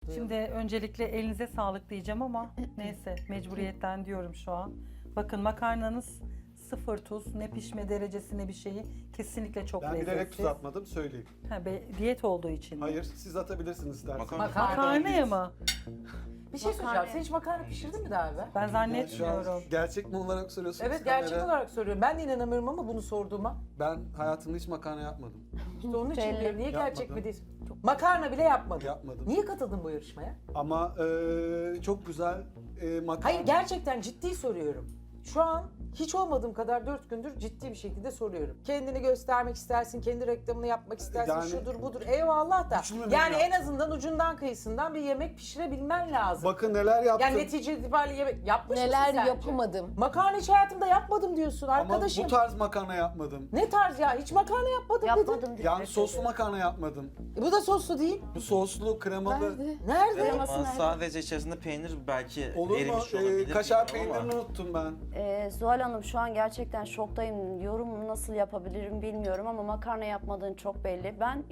Şimdi öncelikle elinize sağlık diyeceğim ama neyse mecburiyetten diyorum şu an. Bakın makarnanız sıfır tuz, ne pişme derecesi ne bir şeyi. Kesinlikle çok Ben bilerek lezzetsiz. tuz atmadım söyleyeyim. Diyet olduğu için mi? Hayır, siz atabilirsiniz isterseniz. Makarnaya mı? Bir şey söyleyeceğim. Sen hiç makarna pişirdin mi daha evvel? Ben Şu an zannetmiyorum. gerçek mi olarak soruyorsunuz? Evet, gerçek kameraya? olarak soruyorum. Ben de inanamıyorum ama bunu sorduğuma. Ben hayatımda hiç makarna yapmadım. İşte onun için Belli. diyorum. Niye gerçek Yapmadım. mi değil? Makarna bile yapmadın. Yapmadım. Niye katıldın bu yarışmaya? Ama çok güzel makarna. Hayır, gerçekten ciddi soruyorum. Şu an hiç olmadığım kadar 4 gündür ciddi bir şekilde soruyorum. Kendini göstermek istersin, kendi reklamını yapmak istersin, Yani- şudur budur. Eyvallah da. Düşünmemek Yani en lazım. azından ucundan kıyısından bir yemek pişirebilmen lazım. Bakın neler yaptım. Yani netice itibariyle yemek yapmış mısın Neler sence? yapamadım. Makarna hiç hayatımda yapmadım diyorsun Ama arkadaşım. bu tarz makarna yapmadım. Ne tarz ya? Hiç makarna yapmadım dedin. Yapmadım diye. Yani soslu makarna yapmadım. Bu da soslu değil. Bu soslu, kremalı. Nerede? Nerede? Kreması Ama nerede? sadece içerisinde peynir belki Olur mu? erimiş olabilir. Kaşar bilmiyorum ama. peynirini unuttum ben. Zuhal Hanım şu an gerçekten şoktayım. Yorum nasıl yapabilirim bilmiyorum ama makarna yapmadığın çok belli. Ben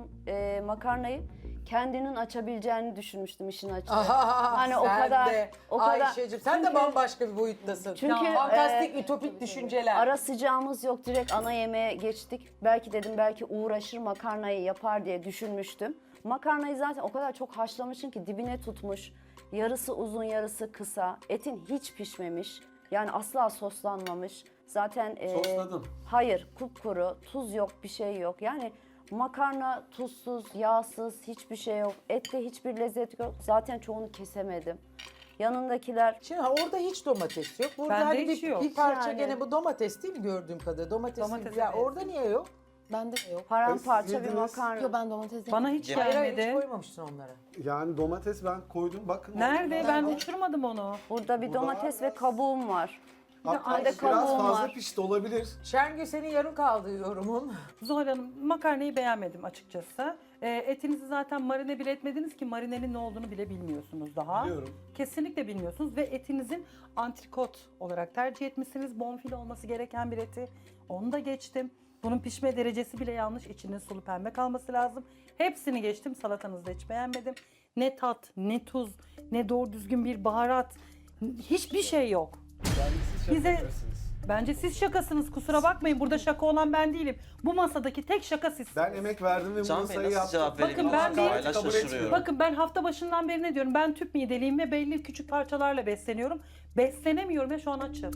makarnayı kendinin açabileceğini düşünmüştüm işin açığı. Hani o sen kadar de, o kadar. Ayşe'cim sen de Çünkü bambaşka bir boyuttasın. Çünkü, fantastik, ütopik düşünceler. Ara sıcağımız yok, direkt ana yemeğe geçtik. Belki dedim belki uğraşır makarnayı yapar diye düşünmüştüm. Makarnayı zaten o kadar çok haşlamışım ki dibine tutmuş. Yarısı uzun yarısı kısa. Etin hiç pişmemiş. Yani asla soslanmamış. Zaten Sosladım. hayır, kupkuru, tuz yok, bir şey yok. Yani makarna tuzsuz, yağsız, hiçbir şey yok. Ette hiçbir lezzet yok. Zaten çoğunu kesemedim. Yanındakiler Şimdi orada hiç domates yok. Burada Bende hani hiç yok. bir parça Yani. gene bu domates değil mi gördüğüm kadarıyla? Domates, Domates, ya evet. orada niye yok? bende de yok. Siz Paramparça bir yediniz. makarna. Yo ben domates Bana hiç Hayır hayır hiç gelmedi. koymamışsın onlara. Yani domates ben koydum. Bakın. Nerede? Ben uçurmadım onu. Burada bir Burada domates var. ve kabuğum var. Hatta Bende biraz kabuğum fazla var. pişti olabilir. Şengül senin yarım kaldı yorumun. Zuhal Hanım makarnayı beğenmedim açıkçası. Etinizi zaten marine bile etmediniz ki marinenin ne olduğunu bile bilmiyorsunuz daha. Biliyorum. Kesinlikle bilmiyorsunuz ve etinizin antrikot olarak tercih etmişsiniz. Bonfile olması gereken bir eti. Onu da geçtim. Bunun pişme derecesi bile yanlış. İçinin sulu pembe kalması lazım. Hepsini geçtim. Salatanızı da hiç beğenmedim. Ne tat, ne tuz, ne doğru düzgün bir baharat. Hiçbir şey yok. Yani siz şaka Bize- yapıyorsunuz. Bence siz şakasınız, kusura bakmayın. Burada şaka olan ben değilim. Bu masadaki tek şaka sizsiniz. Ben emek verdim ve bu Can Bey masayı nasıl yaptım. cevap vereyim? Bakın ben bir- Hala Kabul şaşırıyorum. etmiyorum. Bakın ben hafta başından beri ne diyorum? Ben tüp mideliyim ve belli küçük parçalarla besleniyorum. Beslenemiyorum ve şu an açım.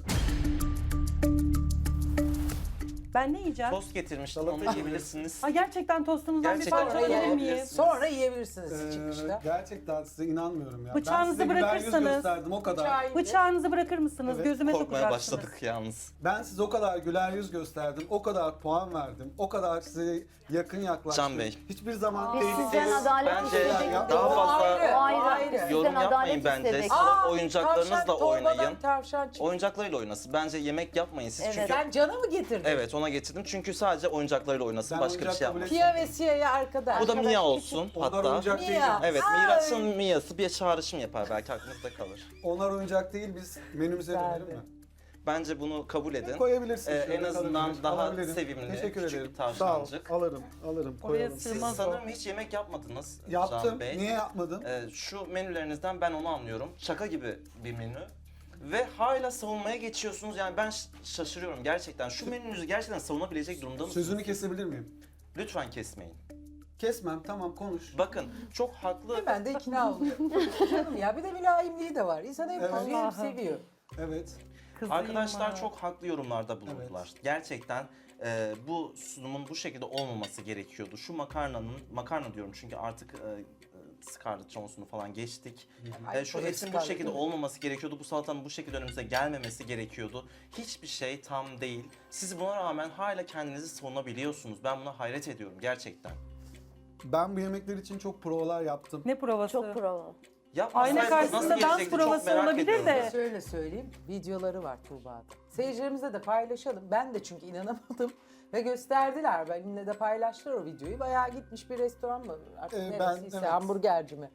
Ben ne yiyeceğim? Tost getirmiştim Salata onu yiyebilirsiniz. Ha, gerçekten tostunuzdan Gerçekten bir parça öyle alabilir miyim? yiyebilirsiniz. Sonra yiyebilirsiniz çıkışta. Gerçekten size inanmıyorum ya. Bıçağınızı ben size güler yüz bırakırsanız- gösterdim o kadar. Bıçağı- Bıçağınızı bırakır mısınız? Evet, Gözüme Korkmaya sokacaksınız. başladık yalnız. Ben size o kadar güler yüz gösterdim, o kadar puan verdim, o kadar size yakın yaklaştım. Can Bey. Hiçbir zaman Biz tehlikeli... sizden adalet Bence istedik. daha O fazla ayrı, O ayrı. o ayrı. Biz sizden yorum yapmayın adalet bence. istedik. Siz oyuncaklarınızla tavşan, torbadan oynayın. tavşan çıktı. Oyuncaklarıyla oynasın. Bence yemek yapmayın siz Evet. çünkü... Sen cana mı getirdin? Evet ona getirdim çünkü sadece oyuncaklarıyla oynasın. Ben Başka bir oyuncak şey kabul yapmasın. Pia ve Sia'ya arkadaş. Bu da Mia olsun Onlar hatta. oyuncak Mia. değil. Evet Ay. Miraç'ın Mia'sı bir çağrışım yapar belki aklınızda kalır. Onlar oyuncak değil, biz menümüze dönelim mi? Bence bunu kabul edin. Koyabilirsiniz. En şöyle azından kalabilir, daha alabilirim. sevimli, Teşekkür küçük ederim. bir tavşancık. Sağ ol, alırım, Oraya koyalım. sığ- Siz Sığmaz o. sanırım hiç yemek yapmadınız Yaptım, Can Bey. niye yapmadım? Şu menülerinizden ben onu anlıyorum. Şaka gibi bir menü. Ve hala savunmaya geçiyorsunuz. Yani ben şaşırıyorum gerçekten. Şu menünüzü gerçekten savunabilecek durumda mısınız? Sözünü kesebilir miyim? Lütfen kesmeyin. Kesmem, tamam konuş. Bakın çok haklı. Ben de ikna oluyorum. Canım ya bir de mülayimliği de var. İnsan hem Evet. kızıyor hem Allah'ım. seviyor. Evet. Kızıyım Arkadaşlar ha. çok haklı yorumlarda bulundular. Gerçekten bu sunumun bu şekilde olmaması gerekiyordu. Şu makarna diyorum çünkü artık Scarlett Johansson'u falan geçtik. Ay, Şu o da etin bu Scarlett, şekilde değil mi? olmaması gerekiyordu. Bu salatanın bu şekilde önümüze gelmemesi gerekiyordu. Hiçbir şey tam değil. Siz buna rağmen hala kendinizi savunabiliyorsunuz. Ben buna hayret ediyorum gerçekten. Ben bu yemekler için çok provalar yaptım. Ne provası? Çok prova. Yapmasaydınız Ayna karşısında nasıl dans gelecekti çok provası merak olabilir ediyorum. de. Şöyle söyleyeyim, videoları var Tuğba'da. Seyircilerimizle de paylaşalım. Ben de çünkü inanamadım. Ve gösterdiler. Benimle de paylaştılar o videoyu. Bayağı gitmiş bir restoran mı? Artık Ben- neresiyse, evet. hamburgerci mi?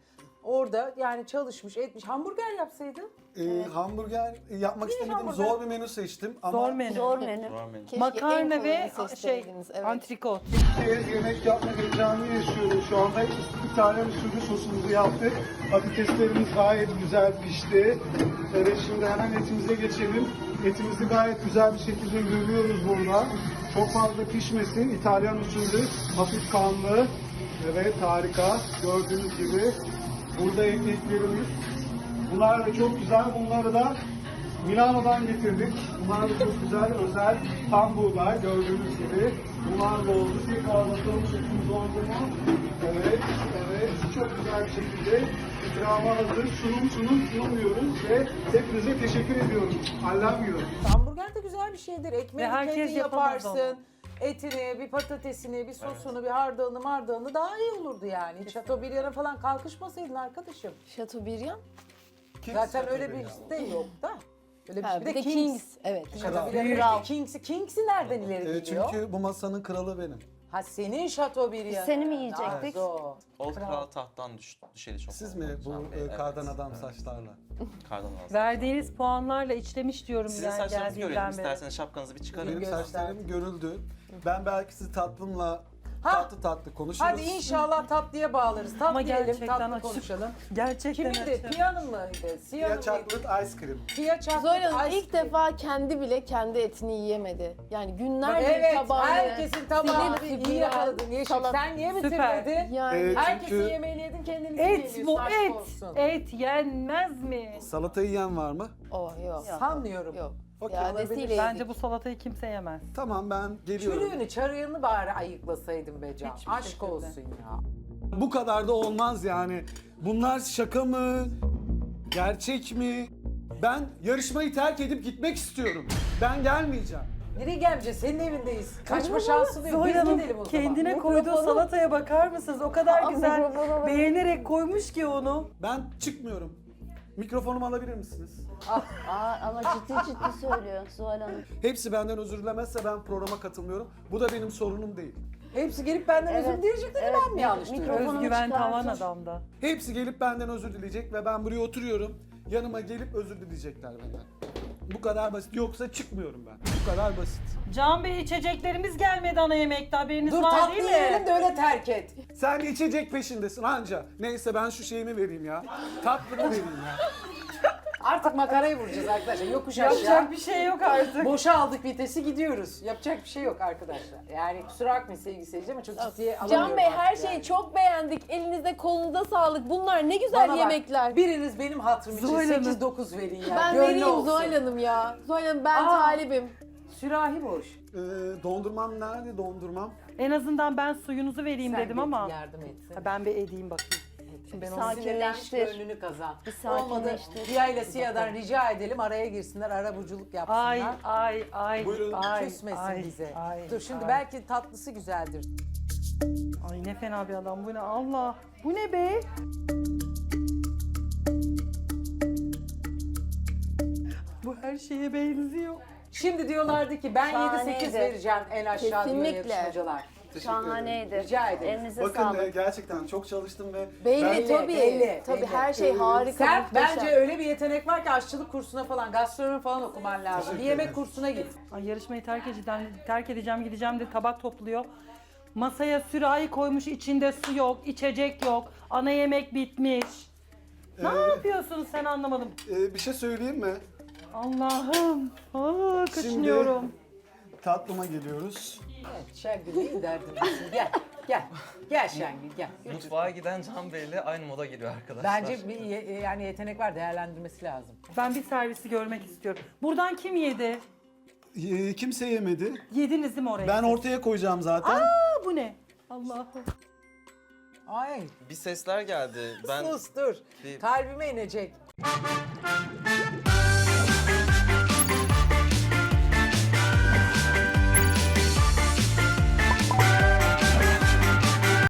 orada yani çalışmış etmiş. Hamburger yapsaydın. Hamburger yapmak istemedim. hamburger? Zor bir menü seçtim ama Zor menü. Zor menü. Görmedim. Keşke en Makarna ve kolayını şey seçseydiniz, evet. antrikot. Yemek yapma heyecanını yaşıyoruz şu anda. İtalyan usulü sosumuzu yaptık. Patateslerimiz gayet güzel pişti. Evet, şimdi hemen etimize geçelim. Etimizi gayet güzel bir şekilde görüyoruz burada. Çok fazla pişmesin. İtalyan usulü hafif kanlı. Evet, harika. Gördüğünüz gibi burada ekmeklerimiz. Bunlar da çok güzel. Bunları da Milano'dan getirdik. Bunlar da çok güzel, özel tam buğday gördüğünüz gibi. Bunlar da oldu. Tekrar bakalım şeklimiz oldu mu? Evet, evet. Çok güzel bir şekilde ikramı hazır. Sunum diyoruz ve hepinize teşekkür ediyorum. Allem Hamburger de güzel bir şeydir. Ekmeği Ve herkes kendin yapamaz yaparsın. Etini, bir patatesini, bir sosunu, bir hardalını daha iyi olurdu yani. Hiç Chateaubriand'a falan kalkışmasaydın arkadaşım. Chateaubriand. Zaten öyle bir şey yok da. Öyle Ha, bir bir de Kings. Kings. Evet. Chateaubriand'ın Kings'i nereden ileri geliyor? çünkü bu masanın kralı benim. Ha senin Chateaubriand. Seni mi yiyecektik? Zor. Old Kral tahttan düşeli çok Siz oldu. mi bu Can Bey, evet. kardan adam saçlarla? Kardan adam. Verdiğiniz puanlarla işlemiş diyorum Sizin yani saçlarınızı görelim geldiğinden beri. isterseniz şapkanızı bir çıkarın. Benim göster. saçlarım görüldü. Ben belki sizi tatlımla Ha. tatlı konuşuruz. Hadi inşallah tatlıya bağlarız. Ama Tatlı yiyelim, gerçekten tatlı açık. konuşalım. Gerçekten Kimindi? açım. Piya'nın mıydı? Siyah'ın Ya mıydı? chocolate ice cream. Pia chocolate Zoyla Hanım ice ilk cream. defa kendi bile kendi etini yiyemedi. Yani günlerce Evet, tabağını herkesin tabağını silip iyi süpüren, yakaladın. Yeşim salat- sen niye Süper. bitirmedin? Yani Herkesin Çünkü yemeğini yedin kendini Et bu et. Olsun. Et yenmez mi? Salata yiyen var mı? oh yok. Sanmıyorum. Yok. Okey, İadesiyle olabilir. yedik. Bence bu salatayı kimse yemez. Tamam ben geliyorum. Çürüğünü, çarığını bari ayıklasaydın be Can. Hiçbir Aşk şekilde. olsun ya. Bu kadar da olmaz yani. Bunlar şaka mı? Gerçek mi? Ben yarışmayı terk edip gitmek istiyorum. Ben gelmeyeceğim. Nereye gelmeyeceğiz? Senin evindeyiz. Kaçma şansın yok. Zoya Biz Hanım gidelim o zaman. kendine koyduğu salataya bakar mısınız? O kadar Aa, güzel mikrofona beğenerek koymuş ki onu. Ben çıkmıyorum. Mikrofonumu alabilir misiniz? Aa, ama ciddi söylüyor Zuhal Hanım. Hepsi benden özür dilemezse ben programa katılmıyorum. Bu da benim sorunum değil. Hepsi gelip benden Evet, özür dileyecekler evet, ben mi yanlış mikrofon- duyuyorum? Mikrofonumu Özgüven çıkartın. tavan adamda. Hepsi gelip benden özür dileyecek ve ben buraya oturuyorum. Yanıma gelip özür dileyecekler benden. Bu kadar basit. Yoksa çıkmıyorum ben. Bu kadar basit. Can Bey içeceklerimiz gelmedi ana yemekte haberiniz Dur var tatlı değil mi? yiyelim de öyle terk et. Sen içecek peşindesin anca. Neyse ben şu şeyimi vereyim ya. Tatlımı vereyim ya. Artık makarayı vuracağız arkadaşlar. Yokuş aşağı. Yapacak bir şey yok artık. Boşa aldık vitesi gidiyoruz. Yapacak bir şey yok arkadaşlar. Yani kusura bakmayın sevgili seyirciler ama çok ciddiye alamıyorum. Can Bey her artık şeyi yani. çok beğendik. Elinizde kolunuza sağlık. Bunlar ne güzel Bana bak, yemekler. Biriniz benim hatırım için Zuhal Hanım. 8-9 verin ya. Ben Gönlü vereyim olsun. Zuhal Hanım ya. Zuhal Hanım ben Aa. talibim. Sürahi boş. Dondurmam nerede dondurmam? En azından ben suyunuzu vereyim Sen dedim bir ama. yardım etsin. Ha, ben bir edeyim bakayım. Şimdi ben onu Sinirlenmiş Sakinleştir. gönlünü kazan. Bir Olmadı sakinleştir. Riya ile Siya'dan rica edelim araya girsinler, arabuculuk yapsınlar. ay, Buyurun. Küsmesin bize. ay, Dur şimdi ay. belki tatlısı güzeldir. Ay ne fena bir adam bu ne Allah. Bu ne be? Bu her şeye benziyor. Şimdi diyorlardı ki ben 7-8 Şahaneydi. vereceğim en aşağı diyor Kesinlikle. yarışmacılar. Şahaneydi. Rica ederim. Elinize Bakın sağlık. gerçekten çok çalıştım ve Belli Belli, tabii. belli, Tabii belli. her şey harika. Sen muhteşem. bence öyle bir yetenek var ki aşçılık kursuna falan, gastronomi falan okuman lazım. Teşekkür Bir yemek ederim. kursuna git. Ay yarışmayı terk edeceğim gideceğim de tabak topluyor. Masaya sürahi koymuş içinde su yok, içecek yok. Ana yemek bitmiş. Ne yapıyorsun sen anlamadım. bir şey söyleyeyim mi? Allah'ım. Aa, kaçınıyorum. Tatlıma geliyoruz. Evet, Şengül iyi derdindesin. Gel, gel. Gel Şengül, gel. Mutfağa giden Can Bey'le aynı moda geliyor arkadaşlar. Bence bir yani yetenek var, değerlendirmesi lazım. Ben bir servisi görmek istiyorum. Buradan kim yedi? Kimse yemedi. Yediniz değil mi oraya? Ben ortaya koyacağım zaten. Aa, bu ne? Allah'ım. Ay, Bir sesler geldi. Ben sus dur. bir- Kalbime inecek.